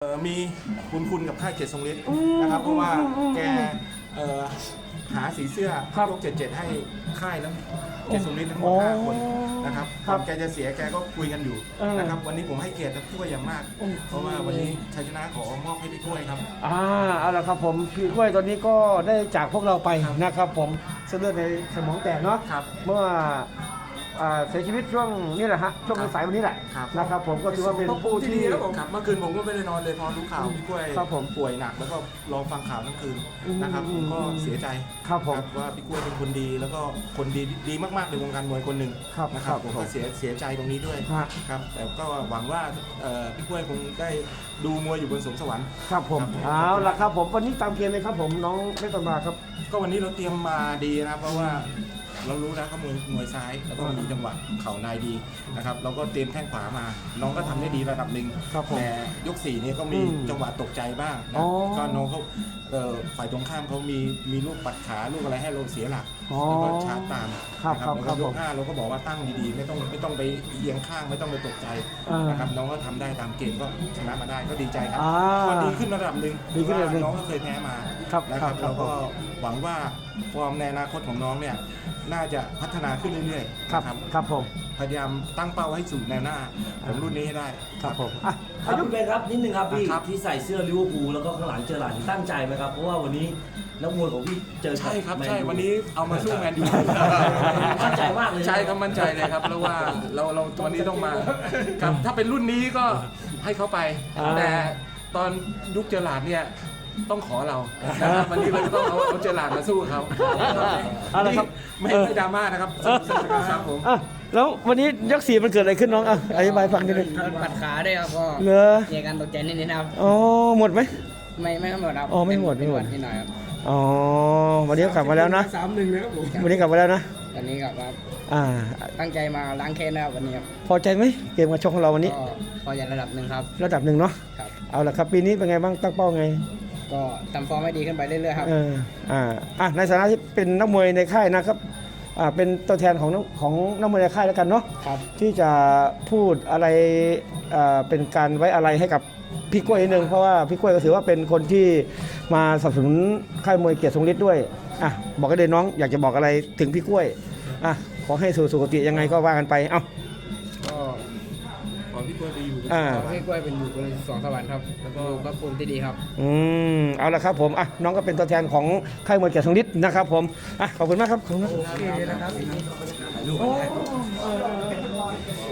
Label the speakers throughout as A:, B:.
A: มีคุณกับค่ายเกียรติทรงฤทธิ์นะครับเพราะว่าแกหาสีเสื้อยก77ให้ค่ายแล้วเกียรติทรงฤทธิ์ทั้งหมด5 คนนะครับก่อนแกจะเสียแกก็คุยกันอยู่นะครับวันนี้ผมให้เกียรติพี่กล้วยอย่างมาก เพราะว่าวันนี้ชัยชนะขอมอบให้พี่กล้วยครับ
B: เอาละครับผมพี่กล้วยตอนนี้ก็ได้จากพวกเราไปนะครับผมเส้นเลือดในสมองแตกเนาะเมื่อเสียชีวิตช่วงนี้แหละฮะช่วงสายวันนี้แหละนะครับผมก็ถือว่าเป็นผู้ที่
A: แล้วผมขับเมื่อคืนผมก็ไม่ได้นอนเลยพอรู้ข่าวพี่กล้วยป่วยหนักแล้วก็รอฟังข่าวทั้งคืนนะครับผมก็เสียใจว่าพี่กล้วยเป็นคนดีแล้วก็คนดีมากๆในวงการมวยคนหนึ่งนะครับผมก็เสียใจตรงนี้ด้วยครับแต่ก็หวังว่าพี่กล้วยคงได้ดูมวยอยู่บนสวงสวรรค์
B: ครับผมเอาละครับผมวันนี้ตามเกมเลยครับผมน้องเพชรตมาครับ
A: ก็วันนี้เราเตรียมมาดีนะครับเพราะว่าเรารู้นะเขามวยซ้ายแล้วก็มีจังหวะเข่าในดีนะครับเราก็เตรียมแข้งขวามาน้องก็ทำได้ดีระดับหนึ่งแต่ยก4นี่ก็มีจังหวะตกใจบ้างนะก็น้องเขาฝ่ายตรงข้ามเขามีลูกปัดขาลูกอะไรให้เราเสียหลักแล้วก็ชาร์จตามนะครับแล้วก็ยก5เราก็บอกว่าตั้งดีๆไม่ต้องไปเอียงข้างไม่ต้องไปตกใจนะครับน้องก็ทำได้ตามเกมก็ชนะมาได้ก็ดีใจครับก็ดีขึ้นระดับหนึ่งน้องก็เคยแพ้มานะครับเราก็หวังว่าฟอร์มในอนาคตของน้องเนี่ยน่าจะพัฒนาขึ้นเรื่อยๆ
B: ครับผม
A: พยายามตั้งเป้าให้สู่แนวหน้าของรุ่นนี้ให้ได้
B: ครับผม
C: อายุเป็นครับนิดนึงครับพี่ที่ใส่เสื้อลิเวอร์พูลแล้วก็ข้างหลังเจอหลานตั้งใจไหมครับเพราะว่าวันนี้นักมวยของพี่เจอ
A: ใช่ครับใช่วันนี้เอามาสู้แมนยู
C: มั่นใจมากเลย
A: ใช่ครับมั่นใจเลยครับเพราะว่าเราตัวนี้ต้องมาครับถ้าเป็นรุ่นนี้ก็ให้เขาไปแต่ตอนยุคเจอหลานเนี่ยต้องขอเรานะครับวันนี้เราต้องเอาเจอหลานมาสู้เขา
B: อะไรครับ
A: ไม่ดราม่านะครับครับผม
B: แล้ววันนี้ยก4มันเกิดอะไรขึ้นน้องอธิบายฟังนิดนึง
D: ปัดขาด้วยครับก็เกี่ยวกันตกใจนิดนึงครับ
B: อ๋อหมดไหม
D: ไม่หมดครับ
B: อ๋อไม่หมด
D: นิดหน่อยครับ
B: อ๋อวันนี้กลับมาแล้วนะ
A: 3-1นะครับผม
B: วันนี้กลับมาแล้วนะ
D: วันนี้กลับมาตั้งใจมาล้างแค้นนะครับวันนี้ครับ
B: พอใจไหมเกมการชกของเราวันนี้
D: พอใจระดับหนึ่งครับ
B: ระดับหนึ่งเนาะเอาละครับปีนี้เป็นไงบ้างตั้งเป้าไง
D: ก็ทำฟอร์มให้ดีขึ้นไปเรื่อยๆครับ
B: ในฐานะที่เป็นนักมวยในค่ายนะครับเป็นตัวแทนของนักมวยในค่ายแล้วกันเนาะที่จะพูดอะไรเป็นการไว้อะไรให้กับพี่กล้วยนิดนึงเพราะว่าพี่กล้วยก็ถือว่าเป็นคนที่มาสนับสนุนค่ายมวยเกียรติทรงฤทธิ์ด้วยบอกกันเลยน้องอยากจะบอกอะไรถึงพี่กล้วยขอให้สู่สุคติยังไงก็ว่ากันไป
D: ก็
A: ขอพี่กล้วยไปอยู่
D: พี่กล้วยเป็นอยู่บนสวงสวรรค์ครับแล้วก็พระภูมิที่ดีครับ
B: เอาละครับผมน้องก็เป็นตัวแทนของค่ายมวยเกียรติทรงฤทธิ์นะครับผมขอบคุณมากครับขอบคุณนะครับ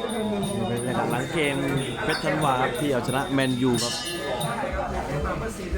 E: หลังเกมเพชรธันวาครับที่เอาชนะแมนยูครับ